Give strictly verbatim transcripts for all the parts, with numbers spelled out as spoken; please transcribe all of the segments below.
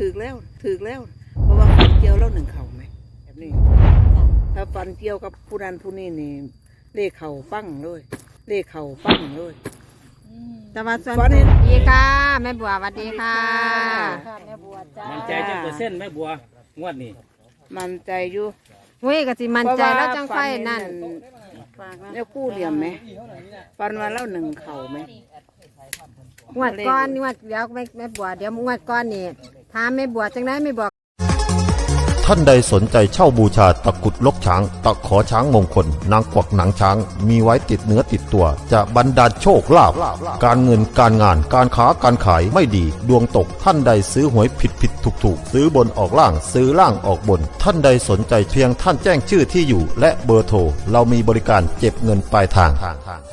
ถือแล้วถือแล้วเพราะว่าฟันเกี่ยวแล้วหนึ่งเข่าไหมแบบนี้ถ้าฟันเกี่ยวกับผู้นั้นผู้นี้นี่เลขเข่าปั้งเลยเลขเข่าปั้งเลยสวัสฟันเห็นดีค่ะแม่บัวสวัสดีค่ะแม่บัวจ้ามันใจจังเปอร์เซ็นต์แม่บัวงวดนี้มันใจอยู่เว้ยกะสิมันใจแล้วจังไฟนั่นเนี่ยกู้เหลี่ยมไหมฟันมาแล้วหนึ่งเข่าไหมงวดก้อนงวดเดี๋ยวแม่แม่บัวเดี๋ยวงวดก้อนนี่ถามแม่บัวจังได้แม่บัวท่านใดสนใจเช่าบูชาตะกรุดลกช้าง ตะขอช้างมงคล นางกวักหนังช้าง มีไว้ติดเนื้อติดตัว จะบรรดาลโชคลาภการเงินการงานการค้าการขายไม่ดี ดวงตกท่านใดซื้อหวยผิดผิดถูกถูกซื้อบนออกล่างซื้อล่างออกบน ท่านใดสนใจเพียงท่านแจ้งชื่อที่อยู่ และเบอร์โทรเรามีบริการเก็บเงินปลายทาง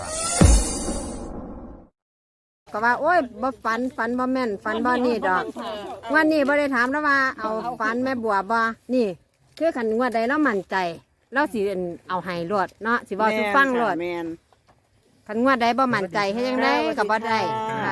ก็ว่าโอ้ยบ่ฝันฝันบ่แม่นฝันบ่นี่ดอกวันนี้บ่ได้ถามแล้วว่าเอาฝันแม่บัวบ่นี่คือขันงวดใดแล้วมั่นใจแล้วสิเอาให้รวดเนาะสิบ่ทุกฟังรวดแมนขันงวดใดบ่มั่นใจให้ยังได้ก็บ่ได้ค่ะ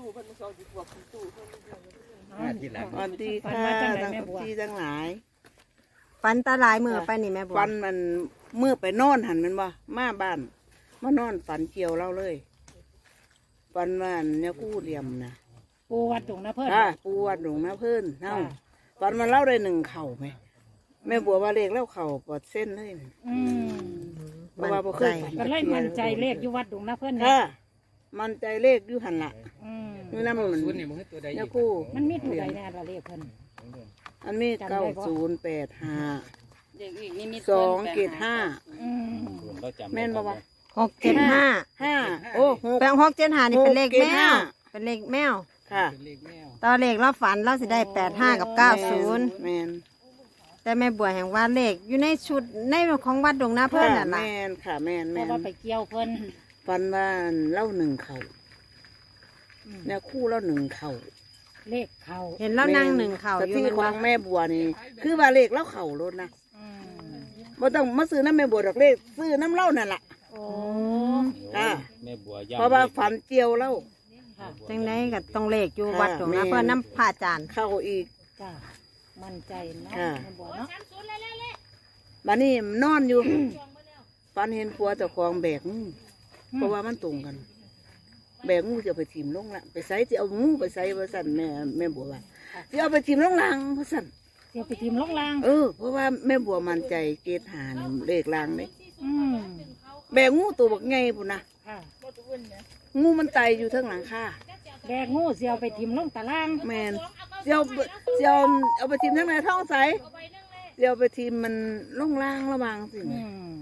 สวัสดีค่ะทั้งที่ทั้งหลายฝันตาหลายมือไปนี่แม่บัวฟันมันเมื่อไปนอนหันมันบ่มาบ้านมานอนฝันเกี่ยวเล่าเลยฟันมันเนี่ยกู้เหลี่ยมนะปูวัดตรงนะเพื่อนค่ะปูวัดหลวงนะเพื่อนเอ้าฟันมันเล่าได้หนึ่งเข่าไหมแม่บัวว่าเลขเล่าเข่าปอดเส้นเลยอืมเพราะว่าบ่เคยฝันก็เลยมั่นใจเลขอยู่วัดตรงนะเพื่อนนะค่ะมันใจเลขอยู่หันละอืมนี่นั่นมันศูนย์นี่มันคือตัวใดเนี่ยกู้มันมีตัวใดแน่ละเลขเพิ่นอันนี้เก้าศูนย์แปดห้าเด็กอีกนี่มีสองเกตห้าอืมเราจำแม่นบ่วะหกเจ็ดห้าห้าโอ้หกแปลงหกเจ็ดห้านี่เป็นเลขหกเจ็แมดห้าวเป็นเลขแมวค่ะเลขแมวตอนเลขเราฝันเราสิได้แปดห้ากับเก้าศูนย์แมนแต่แม่บัวแห่งว่าเลขอยู่ในชุดในของวัดดงนาเพื่อนน่ะแมล่ะนค่ะแมนเพแมราะนว่าไปเกี่ยวเพิ่นฟันว่าเล่าหนึ่งเข่าเนี่ยคู่เล่าหนึ่งเข่าเลขเข้าเห็นแล้วนั่งหนึ่งเข่าสอยู่ที่มันขอว่างแม่บัวนี่ คือว่าเลขเล่าเข่ารถนะอืมบ่ต้องมาซื้อน้ำแม่บัวดอกเลขซื้อน้ำเล่านั่นแหละโอ้อ่าแม่บัวย่เพราะว่าฝันเจียวเล่าค่ะจังไดก็ต้องเลขอยู่ค่ะวัดดงนาแม่เพื่อนน้ำผ่าจานเข้าอีกจ้ามั่นใจนะค่ะแม่บัวเนาะบัดนี้นอนอยู่ฝันเห็นผัวเจ้าของแบกงูเพราะว่ามันตรงกัน แบกงูจะเอาไปทิมลงละไปใส่จะเอางูไปใส่ว่าสั่นแม่แม่บัวว่าจะเอาไปทิมลงลางว่าสั่นเดี๋ยวไปทีมลงล่างเออเพราะว่าแม่บัวมั่นใจเกตหานี่เลขลางเลยอืมแบกงูตัวบักไงปุ่นนะค่ะงูมันไตอยู่ทั้งหลังคาแบกงูเสียวไปทีมลงตารางแมนเจียวเจียวเอาไปทิมทั้งในท้องใสเจียวไปทิมมันลงล่างระวังสิอืม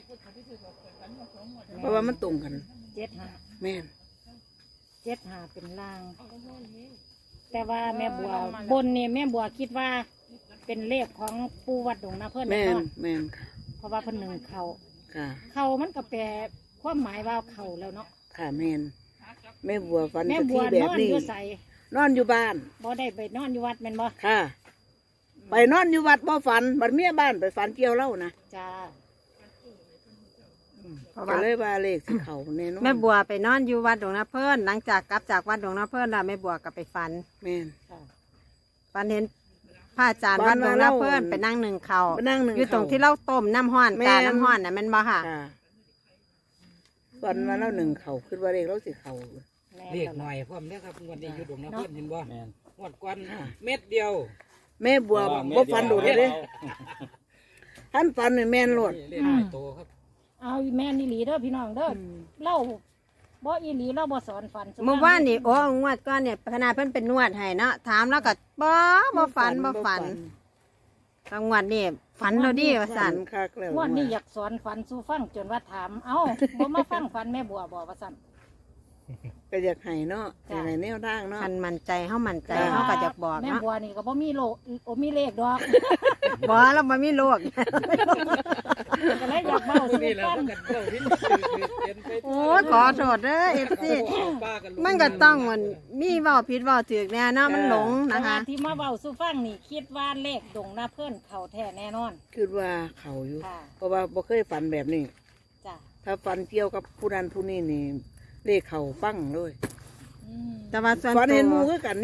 เพราะว่ามันตรงกันเจ็ดห้าแม่นเจ็ดหาเป็นล่าง แต่ว่าแม่บัวบนนี่แม่บัวคิดว่า เป็นเลขของปูวัดดงนาเพื่อนแม่นเนาะแม่นค่ะเพราะว่าเพิ่นหนึ่งเขาค่ะเขามันก็แปลความหมายว่าเขาแล้วเนาะค่ะแม่นแม่บัวฟันแม่กะบัทิวแบนบอนนี้อยู่ใสนอนอยู่บ้านบ่ได้ไปนอนอยู่วัดแม่นบ่ค่ะ ไปนอนอยู่วัดบ่ฝันบัดเมียบ้านไปฝันเกี่ยวเล่านะจ้าเพราะก็ว่าเลยว่าเลขสิเขาแน่นอนแม่บัวไปนอนอยู่วัดดงนาเพื่อนหลังจากกลับจากวัดดงนาเพื่อนแล้วแม่บัวก็ไปฝันแม่นค่ะฝันเห็นพระอาจารย์วัดดงนาเพื่อนไปนั่งหนึ่งเข่าไปนั่งหนึ่งอยู่ตรงเข่าที่เราต้มน้ำห้อนแม่นกาน้ำห้อนน่ะแมันบ่ค่ะค่ะฝันว่าเล่าหนึ่งเขาคือว่าเลขเราสิเขาแม่เลขตหลน่ออดยพร้อมเด้อครับงวดนี้อยู่ดงน้ำเพื่อนเห็นบ่แม่นงวดก่อนเม็ดเดียวแม่บัวบ่ฝันโดดเลยเด้ท่านฝันนี่แม่นโลดเลขหลายโตครับเอาแม่นี่หลีเด้อพี่น้องเด้ออเล่าบ่อีหลีเล่าบ่สอนฝันสุเมื่อวานนี่โอ้งวดก้อนเนี่ยขนาดเพิ่นเป็นนวดให้เนาะถามแล้วก็บ่บ่ฝันบ่ฝันบางวันนี่ฝันเราดีว่าฝัสั่นนคักแล้วงวดนี้อยากสอนฝันสู่ฟังจนว่าถาม เอ้าบ่มาฟังฝันแม่บัวบ่ว่าซั่นก็อยากให้เนาะจ้ะให้แนวทางเนาะคันมั่นใจเฮามั่นใจค่ะเฮาก็จะบอกแม่เนาะบัวนี่ก็บ่มีโลโอมีเลขดอกบ่เราบ่มีโรคก็เลยอยากเบ้าสู่นี่แหละฟังมันกันเจ้าพินเขียนไปโอ้ยขอโทษเด้อ เอฟ ซีป้ากันมันก็ต้องมันมีเว้าผิดเว้าถูกแน่เนาะมันหลงแต่นะคะว่าที่มาเว้าสู่ฟังนี่คิดว่าเลขดงนาเพิ่นเข้าแท้แน่นอนคือว่าเขาอยู่ค่ะเพราะว่าบ่เคยฝันแบบนี้จ้ะถ้าฝันเกี่ยวกับผู้นั้นผู้นี้นี่เลขเขาปั้งเลยอืมแต่ว่าส่วนฝันตัเห็นหมูวคือกันนี่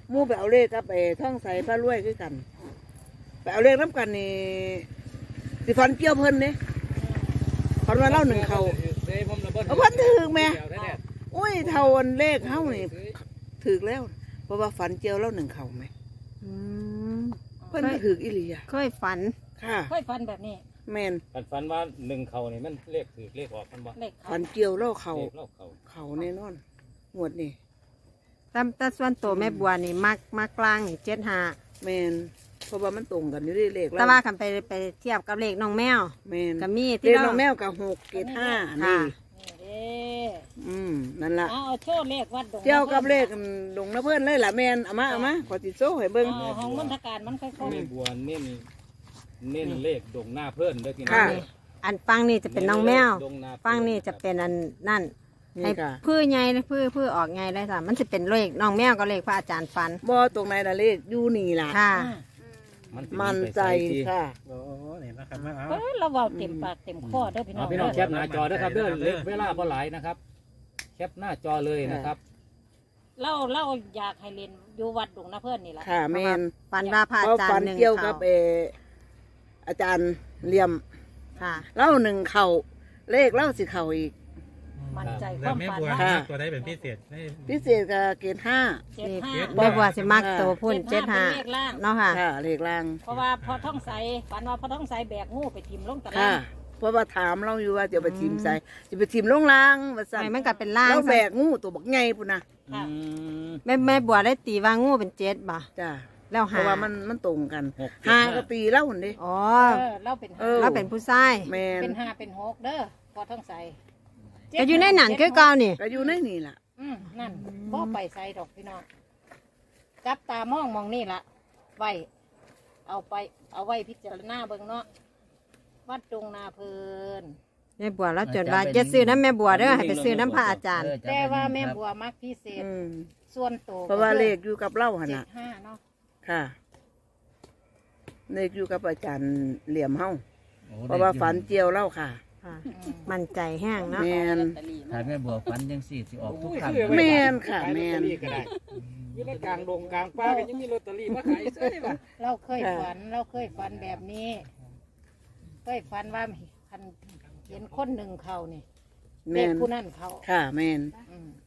หมู่ไปเอาเลขกับไอ้ท่องใสพระรวยคือกันไปเอาเลขน้ำกันนี่สิฟันเกี่ยวเพิ่นเนี่ยฟันว่าเล่าหนึ่งเขาเด้ผมระเบิดเอาเพิ่นถือแม่เดี๋ยวแท้อุ้ยเท่าอันเลขเฮานี่ถือแล้ว เพราะว่าฝันเจียวเล่าหนึ่งเขาไหมอืมเพิ่นก็ถืออีหลีอะเคยฝันค่ะค่อยฟันแบบนี้แมนฝันฝันว่าหนึ่งเขานี่มันเลขถือเลขออกมันบ่เลขเขาฝันเจียวเล่าเขาเลขเล่าเขาเขาแน่นอนงวดนี่แต่แต่ส่วนตัวแม่บัวนี่มักมักกลางนี่เจ็ดห้าแมนเพราะว่ามันตรงกันอยู่ที่เลขแต่ว่าคันไปไปเทียบกับเลขน้องแมวแมนก็มีเลที่ขเราน้องแมวกับหกเกตห้าค่ะนี่นี่เด้อืมนั่นล่ะเอาเอาโชว์เลขวัดดงเจียวกับเลขดงนะเพื่อนเลยล่ะแมนเอามาเอามาขอติดโซ่ให้เบิ้งเอาของมณฑการมันค่อยแม่บัวเน้นเน้นเลขดงหน้าเพื่อนเด้อพี่น้องค่ะเด้ออันฟังนี่จะเป็นน้องแมวดงหน้าเพิ่ฟังนี่จะเป็นอันนั่นนี่ให้ค่ะพื้ใหญ่พื้พื้ออกไงได้ค่ะมันจะเป็นเลขน้องแมวก็เลขพระอาจารย์ฟันบ่ตรงไหนล่ะเลขอยู่นี่ล่ะค่ะๆอืมสิมันใจไปสิค่ะโอ้นี่นะครับมาเอาเอ้ยเราเว้าเต็มปากเต็มคอเด้อพี่น้อเอางพี่น้องเด้อแคปหน้าจอเด้อครับเด้อเลขเวลาบ่หลายนะครับ แคปหน้าจอเลยนะครับเราเราอยากให้เรียนอยู่วัดดงนะเพื่อนนี่ล่ะค่ะแมนฟันว่าพระเพอาราะจารฝันย์หนึ่งเกี่ยวกัเขาบเอออาจารย์เหลี่ยมค่ะเล่าหนึ่งเข่าเลขเล่าสิเข่าอีกมั่นใจคแล้วาว มแม่ฝันบัวเนาะค่ะตัวได้เป็นพิเศษให้พิเศษกับเกณฑ์ห้าเจ็ดห้าแม่บัวสิมักตัวพุ่นเจ็ดห้าเป็นเลขล่างเนาะค่ะค่ะเลขล่างเพราะว่าพอท้องใสฝันว่าพอท้องใสแบกงูไปทิ่มลงตะค่ะลางเพราะว่าถามเราอยู่ว่าจะไปทีมใส่จะไปทีมลงล่างว่าสั่นไม่มันก็เป็นล่างเราแบกงูตัวบักไงปุ่นนะค่ะอืมแม่แม่บัวได้ตีว่างูเป็นเจ็ดบ่จ้าแล้วเพหาราะว่ามันมันตรงกันหกเจ็ดหาห้าก็ตีเล่าหุ่นดิอ๋อเออเราเป็นเอห้าอเราเป็นผู้ชายแมนเป็นห้าเป็นหกเด้อพอท้องใสก็อยู่ในหนันคือเก่านี่ก็อยู่ในนี่ล่ะอืมนั่นบ่ไปใส่ดอกพี่น้องจับตามองมองนี่ละไว้เอาไปเอาไว้พิจารณาเบิ่งเนาะวัดดงนาเพลินแม่บัวเราจดว่าจะซื้อน้ำแม่บัวเด้อให้ไปซื้อน้ำพระอาจารย์แต่ว่าแม่บัวมักพิเศษอืมส่วนโตวเพราะว่าเลขอยู่กับเล่าหันเจ็น่ะดห้าเนาะค่ะเลขอยู่กับอาจารย์เหลี่ยมเฮาเพราะว่าฝันเจียวเล่าค่ะค่ะอืมมั่นใจแห้งเนาะแมนถ้าแม่บัวฟันยังสี่สิออกทุกครั้งแม่นค่ะแม่นก็ได้อยู่ในกลางดงกลางป่าก็ยังมีลอตเตอรี่มาขายเซ้ยว่ะเราเคยฝันเราเคยฝันแบบนี้เคยฝันว่าคันเห็นคนหนึ่งเขานี่แมเด็กนผู้นั้นเขาค่ะแมนอืม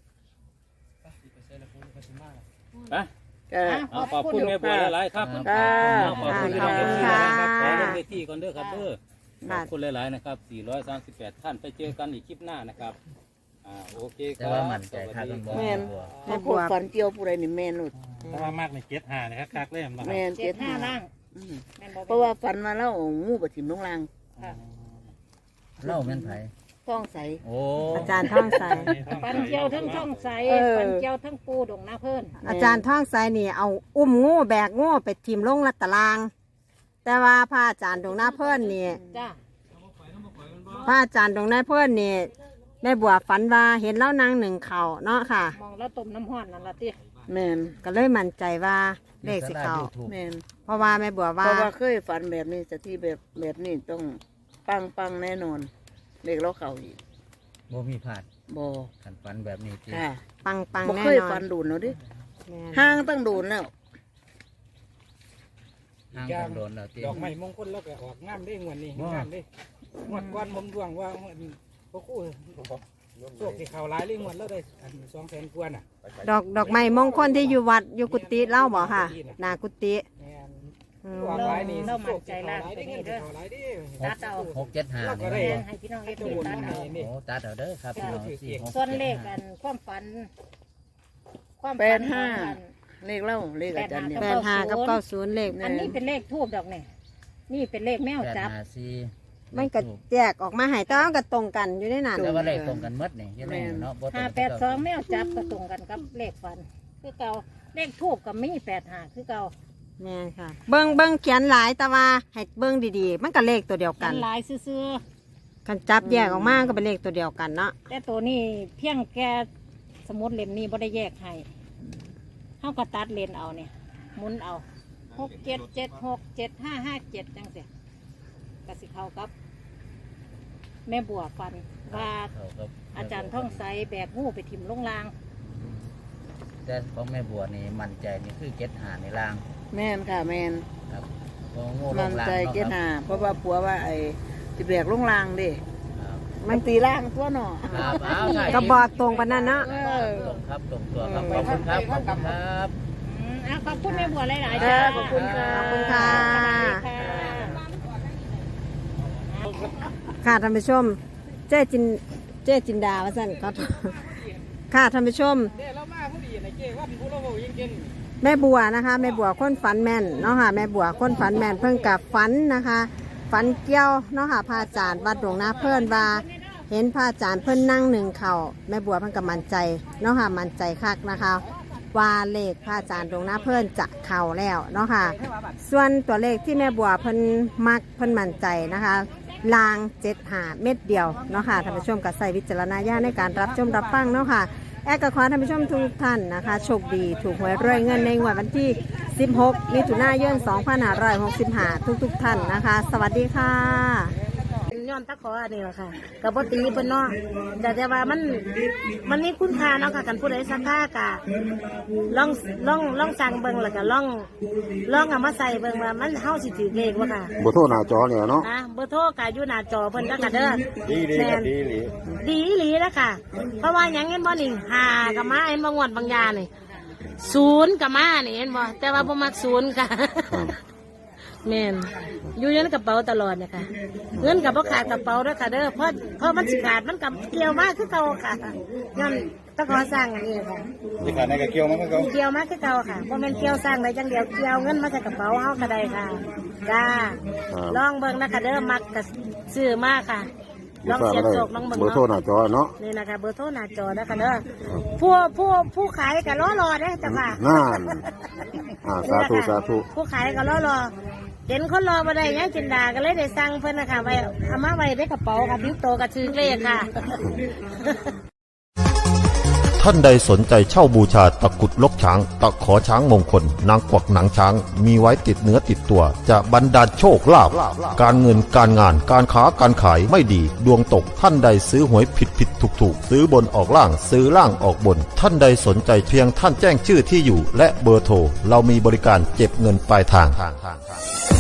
ไปก็เอาขอบคุณแม่บัวหลายๆครับค่ะเอาขอบคุณพี่น้องขอบคุณที่ค่ะนะครับขอลงในที่ก่อนเด้อครับเด้อขค่ะอบคุณหลายๆนะครับสี่ร้อยสามสิบแปดท่านไปเจอกันอีกคลิปหน้านะครับอ่าโอเคคแต่รับว่ามั่นใจครับสวัสดีคุณบัวแม่นบัวถ้าพวกฝันเจียวผู้ใดนี่แมนหนุดเพราะว่ามากในเจ็ดหานะครับคักเล่มนะคแมรับนเจ็เจ็ดดห้าห้าล่างอืมแม่นบ่เพราะว่าฝันมาแล้วงูประถิมลงลางค่ะเล่าแม่นไผท้องใสโอ้อาจารย์ท่องใสฟันเจียวทั้งช่องใสเออฟันเจียวทั้งปูดงนาเพิ่นอาจารย์ท่องใสนี่เอาอุ้มงูแบกงูไปทิมลงลัดตาราง แต่ว่าพระอาจารย์ดวงหน้าเพิ่นนี่จ้าพระอาจารย์ดวงหน้าเพิ่นนี่แม่บัวฝันว่าเห็นเล่านางหนึ่งเข่าเนาะค่ะมองแล้วต้มน้ำห้อนนั่นละติแมนก็เลยมั่นใจว่าเลขสิเขาถูกแมนเพราะว่าแม่บัวเพว่าราะว่าเคยฝันแบบนี้สที่แบบแบบนี้ต้องปังปังแน่นอนเลขเราเข่าอีกบ่มีผาดบอขันฟันแบบนี้ที่ค่ะปังปังบ่แน่เคยนอฝันนดูนแล้วดิแม่นห้างตั้งดูนแล้วห้างกันโดนแล้วที่ดอกไม้มงคลแล้วก็ออกงามได้งวดนี้ว้างงามได้งวดก่อนผมดวงว่าพวกคู่โชคที่เขาหลายเลยงวดแล้วได้สองแสนกว่าน่ะดอกดอกไม้มงคลที่อยู่วัดอยู่กุฏิเล่าบอกค่ะหนากุฏิแม่นอืมออกหลายนี่โชคที่เขาหลายได้เงินที่เขาหลายได้ตัดเอาหกเจ็ดห้าเราก็นี่ได้แม่นให้พี่น้องเอฟซีตัดเอาโอ้ตัดเอาเด้อครับพี่น้องสี่หกส่วนเลขกันความฝัน ความแปฝัดนห้าของมันเลขเล่าเลขอาจารย์เนี่ยแปดห้ากับเก้าศูนย์เลขอันนี้เป็นเลขทูบดอกเนี่ยนี่เป็นเลขแมวแปดจับห้าสี่มันก็แยกออกมาใหายแต่ว่าก็ตรงกันอยู่ในนั้นแต่ว่าเลขตรงกันหมดนี่ยังไงเนาะบ่ตรงห้ากันแปดสองแมวจับก็ตรงกันกับเลขฝัน คือเก่าเลขทูบกับมีแปดห้าคือเก่าแม่นค่ะ เบิ้งเบิ้งเขียนหลายแต่ว่าให้เบิ้งดีๆ มันก็เลขตัวเดียวกักัน นหลายซื่อกันจับแยกออกมาก็เป็นเลขตัวเดียวกันเนาะๆแต่ตัวนี้เพียงแค่สมุดเล่มนี้บ่ได้แยกให้เฮาก็ตัดเลนเอาเนี่ยหมุนเอาหกเจ็ดเจ็ดหกเจ็ดห้าห้าเจ็ดจังเสียกสิเข้ากับ แม่บัวฟันว่าเข้ากับอาจารย์ท่องใสแบกงูไปถิ่มลงลางแต่ของแม่บัวนี่มั่นใจนี่คือเจ็ดหาในล่างแม่นค่ะแม่นครับเพราะงูลมันงล่างใจเนาะเก็ดคหารับเพราะว่าผัวว่าไอ้สิแบกลงรางเด้ครับมันตีร่างตัวหนอครับเอาถ่ายก็บอกตรงปานนั้นเนาะเออตรงครับตรงตัวครับขอบคุณครับขอบคุณครับอืมอ่ะขอบคุณแม่บัวหลายๆจ้าจ้าขอบคุณค่ะขอบคุณค่ะค่ะค่ะท่านผู้ชม เจ๊จินเจ๊จินดาว่าสั่นก็ค่ะท่านผู้ชมเด้เรามาพอดีนะเจ้ว่าผู้เราบอกยังเก่งแม่บัวนะคะแม่บัวคนฝันแม่นเนาะค่ะแม่บัวคนฝันแม่นเพิ่งกับฝันนะคะฝันเกี่ยวเนาะค่ะพระอาจารย์วัดหลวงนาเพิ่นว่าเห็นพระอาจารย์เพิ่นนั่งหนึ่งเข่าแม่บัวเพิ่นกับมั่นใจเนาะค่ะมั่นใจคักนะคะว่าเลขพระอาจารย์หลวงนาเพิ่นจะเข่าแล้วเนาะค่ะส่วนตัวเลขที่แม่บัวเพิ่นมักเพิ่นมั่นใจนะคะลางเจ็ดหาเม็ดเดียวเนาะค่ะท่านผู้ชมกับใส่วิจารณญาณในการรับชมรับฟังเนาะค่ะ แอร์ก็ขอให้ท่านผู้ชมทุกท่านนะคะโชคดีถูกหวยรวยเงินในงวดวันที่ สิบหก มิถุนายน สองพันห้าร้อยหกสิบห้า ทุกๆท่านนะคะ สวัสดีค่ะย้อนตะขออันนี้แหละค่ะกับปตีเพิ่นเนาะแต่แต่ว่ามันมันมีคุณค่าเนาะค่ะกันผู้ใดสักค่ากะลองลองลองสั่งเบิ่งแล้วก็ลองลองเอามาใส่เบิ่งว่ามันเฮาสิถือเลขบ่ค่ะบ่โทรหน้าจอเนี่ยเนาะนะเบอร์โทรก็อยู่หน้าจอเพิ่นแล้วก็เด้อดีดีครับดีหลีดีอีหลีแล้วค่ะ เพราะว่าหยังเห็นบ่นี่ห้าก็มาเห็นบ่งวดบางยานี่ศูนย์ก็มานี่เห็นบ่แต่ว่าบ่มักศูนย์ค่ะ แม่นอยู่ในกระเป๋าตลอดนะคะเงินกับพ่ขาดกระเป๋าด้วยค่ะเด้อเพราะเพราะมันสิขาดมันกับเกี่ยวมากคือเก่าค่ะย้อนต้องขอสร้างอันนี้ค่ะที่ขาดในกระเกี่ยวมันก็เขาเกี่ยวมากคือเก่าค่ะเพราะมันเกี่ยวสร้างได้จังเดียวเกี่ยวเงินมาจากกระเป๋าเฮาก็ได้ค่ะจ้าลองเบิ่งนะคะเด้อมักกับซื้อมากค่ะลองเสียบโศกลองเบิ่งเบอร์โทรหเนาะน้าจอเนาะนี่นะคะเบอร์โทรหน้าจอนะคะเด้อผู้ผู้ผู้ขายก็รอรอเด้อจ้ะค่ะนั่นอ่าสาธุสาธุผู้ขายก็รอรอเห็นคนรอมาได้ยังจินดาก็เลยได้สั่งเพิ่นนะคะไว้เอามาไว้ในกระเป๋าค่ะพิ้วโตกับชื่อเลขค่ะท่านใดสนใจเช่าบูชาตะกรุดลกช้าง ตะขอช้างมงคล นางกวักหนังช้าง มีไว้ติดเนื้อติดตัว จะบรรดาลโชคลาภการเงินการงานการค้าการขายไม่ดี ดวงตกท่านใดซื้อหวยผิดผิดถูกถูกซื้อบนออกล่างซื้อล่างออกบน ท่านใดสนใจเพียงท่านแจ้งชื่อที่อยู่ และเบอร์โทรเรามีบริการเก็บเงินปลายทาง